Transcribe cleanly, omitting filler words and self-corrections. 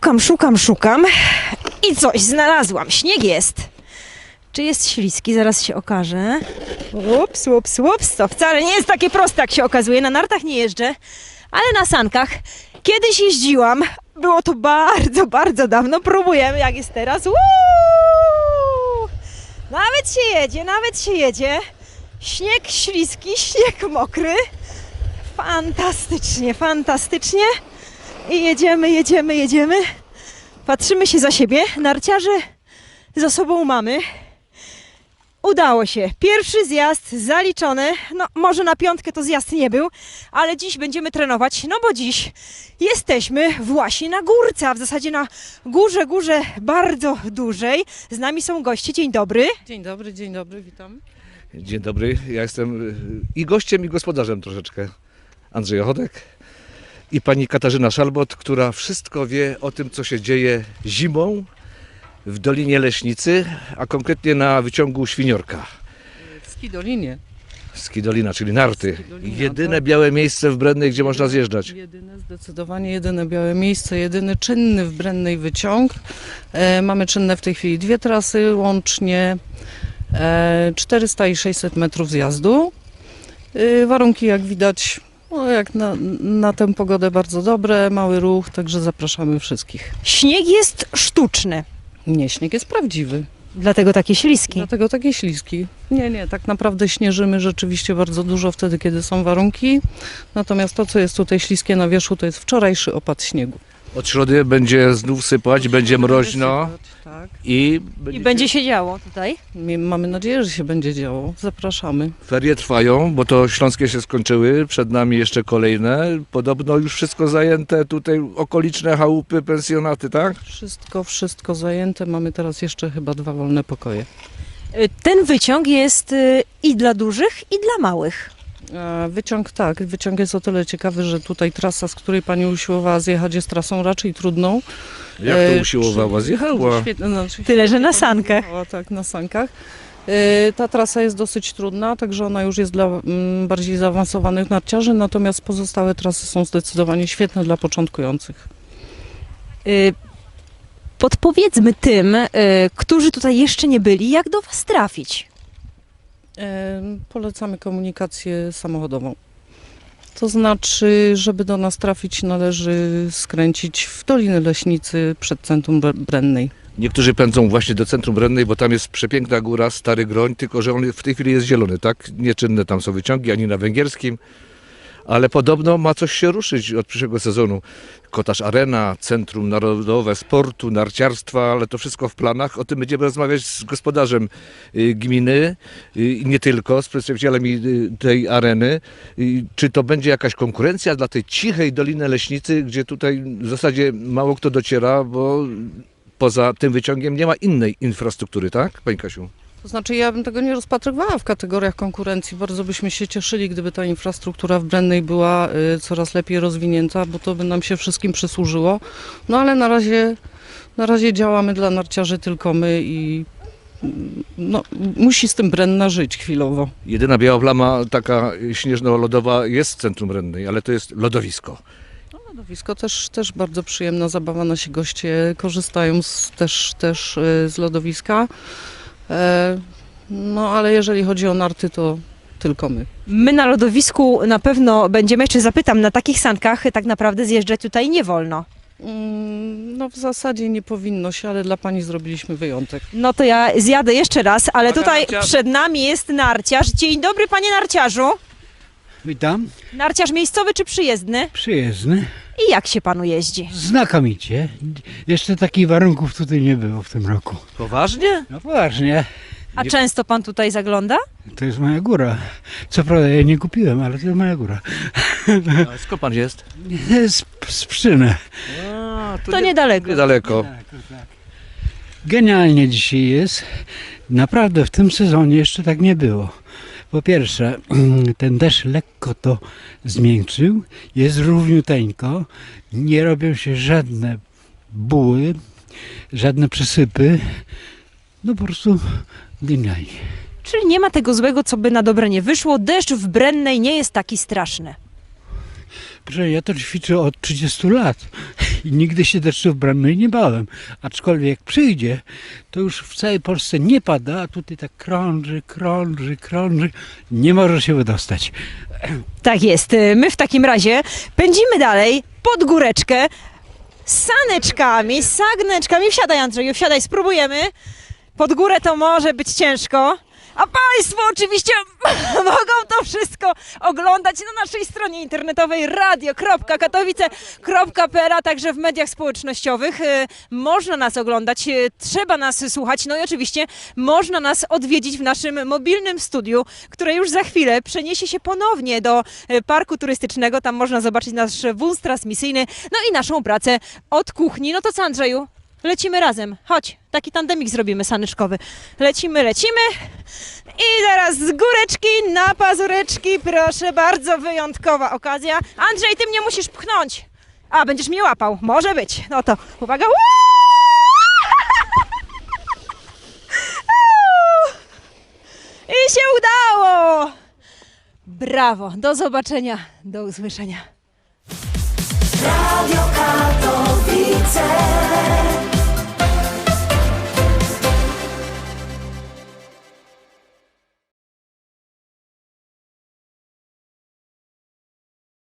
Szukam i coś znalazłam. Śnieg jest. Czy jest śliski? Zaraz się okaże. Ups. To wcale nie jest takie proste, jak się okazuje. Na nartach nie jeżdżę, ale na sankach kiedyś jeździłam. Było to bardzo dawno. Próbujemy, jak jest teraz. Nawet się jedzie. Śnieg śliski, śnieg mokry. Fantastycznie. I jedziemy. Patrzymy się za siebie. Narciarzy za sobą mamy. Udało się. Pierwszy zjazd zaliczony. No może na piątkę to zjazd nie był, ale dziś będziemy trenować, no bo dziś jesteśmy właśnie na górce, a w zasadzie na górze bardzo dużej. Z nami są goście. Dzień dobry. Dzień dobry, witam. Dzień dobry, ja jestem i gościem, i gospodarzem troszeczkę. Andrzej Ochodek i pani Katarzyna Szalbot, która wszystko wie o tym, co się dzieje zimą w Dolinie Leśnicy, a konkretnie na wyciągu Świniorka. W Skidolinie. Skidolina, czyli narty. Skidolina, Jedyne tak. białe miejsce w Brennej, gdzie można zjeżdżać. Zdecydowanie jedyne białe miejsce, jedyny czynny w Brennej wyciąg. Mamy czynne w tej chwili 2 trasy, łącznie 400 i 600 metrów zjazdu. Warunki, jak widać, no jak na tę pogodę, bardzo dobre, mały ruch, także zapraszamy wszystkich. Śnieg jest sztuczny, Nie, śnieg jest prawdziwy, dlatego takie śliski. dlatego takie śliski. Nie, tak naprawdę śnieżymy rzeczywiście bardzo dużo wtedy, kiedy są warunki, natomiast to, co jest tutaj śliskie na wierzchu, to jest wczorajszy opad śniegu. Od środy będzie znów sypać, będzie mroźno Tak. i I będzie się działo tutaj. Mamy nadzieję, że się będzie działo. Zapraszamy. ferie trwają, bo to śląskie się skończyły, przed nami jeszcze kolejne. Podobno już wszystko zajęte, tutaj okoliczne chałupy, pensjonaty, tak? Wszystko zajęte. Mamy teraz jeszcze chyba 2 wolne pokoje. Ten wyciąg jest i dla dużych, i dla małych. Wyciąg jest o tyle ciekawy, że tutaj trasa, z której pani usiłowała zjechać, jest trasą raczej trudną. Jak to usiłowała? Zjechała. Tyle, że na sankach. Tak, na sankach. Ta trasa jest dosyć trudna, także ona już jest dla bardziej zaawansowanych narciarzy, natomiast pozostałe trasy są zdecydowanie świetne dla początkujących. Podpowiedzmy tym, którzy tutaj jeszcze nie byli, jak do Was trafić. Polecamy komunikację samochodową. To znaczy, żeby do nas trafić, należy skręcić w Dolinę Leśnicy przed centrum Brennej. Niektórzy pędzą właśnie do centrum Brennej, bo tam jest przepiękna góra, Stary Groń, tylko że on w tej chwili jest zielony, tak? Nieczynne tam są wyciągi, ani na węgierskim, ale podobno ma coś się ruszyć od przyszłego sezonu. Kotarz Arena, Centrum Narodowe Sportu, Narciarstwa, ale to wszystko w planach. O tym będziemy rozmawiać z gospodarzem gminy i nie tylko, z przedstawicielami tej areny. Czy to będzie jakaś konkurencja dla tej cichej Doliny Leśnicy, gdzie tutaj w zasadzie mało kto dociera, bo poza tym wyciągiem nie ma innej infrastruktury, tak, pani Kasiu? To znaczy, ja bym tego nie rozpatrywała w kategoriach konkurencji. Bardzo byśmy się cieszyli, gdyby ta infrastruktura w Brennej była coraz lepiej rozwinięta, bo to by nam się wszystkim przysłużyło. No ale na razie działamy dla narciarzy tylko my i no, musi z tym Brenna żyć chwilowo. Jedyna biała plama taka śnieżno-lodowa jest w centrum Brennej, ale to jest lodowisko. Lodowisko też bardzo przyjemna zabawa. Nasi goście korzystają też z lodowiska. No ale jeżeli chodzi o narty, to tylko my. My na lodowisku na pewno będziemy, jeszcze zapytam, na takich sankach tak naprawdę zjeżdżać tutaj nie wolno. No w zasadzie nie powinno się, ale dla pani zrobiliśmy wyjątek. No to ja zjadę jeszcze raz, ale Uwaga, tutaj narciarz. przed nami jest narciarz. Dzień dobry, panie narciarzu. Witam, Narciarz miejscowy czy przyjezdny? przyjezdny. I jak się panu jeździ? Znakomicie. Jeszcze takich warunków tutaj nie było w tym roku. Poważnie? No poważnie, A często pan tutaj zagląda? to jest moja góra. Co prawda ja nie kupiłem, ale to jest moja góra. A skąd pan jest? Z Pszczyny. To niedaleko. Niedaleko. Genialnie dzisiaj jest. Naprawdę w tym sezonie jeszcze tak nie było. Po pierwsze, ten deszcz lekko to zmiękczył, jest równiuteńko, nie robią się żadne buły, żadne przesypy. No po prostu genialnie. Czyli nie ma tego złego, co by na dobre nie wyszło. Deszcz w Brennej nie jest taki straszny. Proszę, ja to ćwiczę od 30 lat i nigdy się deszczów brennej nie bałem. Aczkolwiek jak przyjdzie, to już w całej Polsce nie pada, a tutaj tak krąży, nie może się wydostać. Tak jest. My w takim razie pędzimy dalej pod góreczkę z saneczkami, z sagneczkami. Wsiadaj, Andrzeju, wsiadaj, spróbujemy. Pod górę to może być ciężko. A Państwo oczywiście mogą to wszystko oglądać na naszej stronie internetowej radio.katowice.pl, a także w mediach społecznościowych. Można nas oglądać, trzeba nas słuchać, no i oczywiście można nas odwiedzić w naszym mobilnym studiu, które już za chwilę przeniesie się ponownie do parku turystycznego. Tam można zobaczyć nasz wóz transmisyjny, no i naszą pracę od kuchni. No to co, Andrzeju? Lecimy razem. Chodź, taki tandemik zrobimy saneczkowy. Lecimy. I teraz z góreczki na pazureczki. Proszę bardzo, wyjątkowa okazja. Andrzej, ty mnie musisz pchnąć. A, będziesz mnie łapał. Może być. No to uwaga. I się udało. Brawo. Do zobaczenia. Do usłyszenia. Radio Katowice.